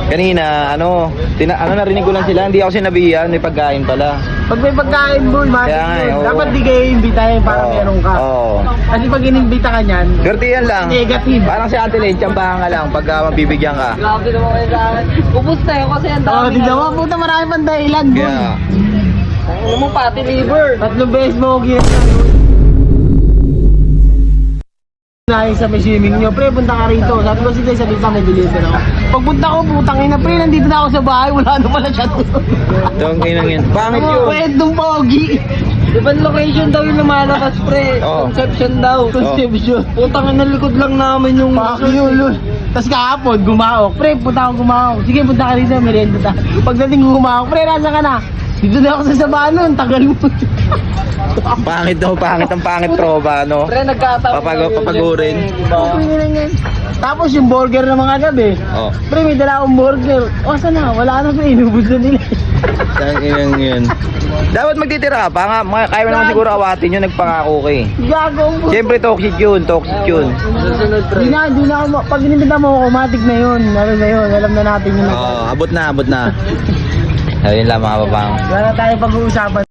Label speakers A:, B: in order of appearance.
A: Kanina, narinig ko lang sila, hindi ako sinabihan, may pagkain pala.
B: Pag may pagkain boy, matik
A: Kaya nga,
B: yun.
A: oo.
B: Dapat di kayo imbitahin para
A: Oo.
B: meron ka.
A: Oo.
B: Kasi pag inimbita ka niyan,
A: Gertihan lang.
B: Negative.
A: Parang si Ate Len, tsambahan ka lang pagka mabibigyan ka.
C: Grabe naman kayo sa akin. Pupusta yun kasi ang
B: oh,
C: dami.
B: di naman puta marami pang dahilan boy.
A: Kaya,
C: Ano mo pati liver.
B: 3 beses mo ginagawa. Nahin sa may swimming nyo, pre, punta ka rito. Sabi ko sige, sabi sa may deliver ako. Pagpunta ko, putang ina, pre, nandito na ako sa bahay, wala na pala siya doon.
A: itong inang yun. Pangit yun.
B: Kwentong pogi.
C: Ibang location daw yung lumalabas pre.
A: Oo.
C: Conception daw.
B: Conception.
C: Putang ina likod lang namin yung
B: Fuck you, lul. Tapos kahapon, gumaok. Pre, punta ako gumaok. Sige, punta ka rito, merienda ta. Pagdating ko gumaok, pre, nasa ka na? Dito na ako sa Sabanon, tagal mo.
A: Pangit daw, pangit ang pangit tropa, no?
C: Pre nagkataon.
A: Papagurin.
B: Tapos yung burger na mga gabi.
A: Oh,
B: Pre, may dala akong burger. O, saan na? Wala na, pre. Inubos na nila.
A: itong inang yun. Dapat magtitira ka pa nga, kaya mo naman siguro awatin yun, nagpangako ka eh.
B: Gago ang puto.
A: Siyempre toxic yun, toxic yun.
C: Susunod pre.
B: Di na ako, pag inimbita mo ako, matik na yun. Ano na yun, alam na natin yun.
A: Oo, abot na. Ayun lang mga babang.
B: Wala na tayo pag-uusapan.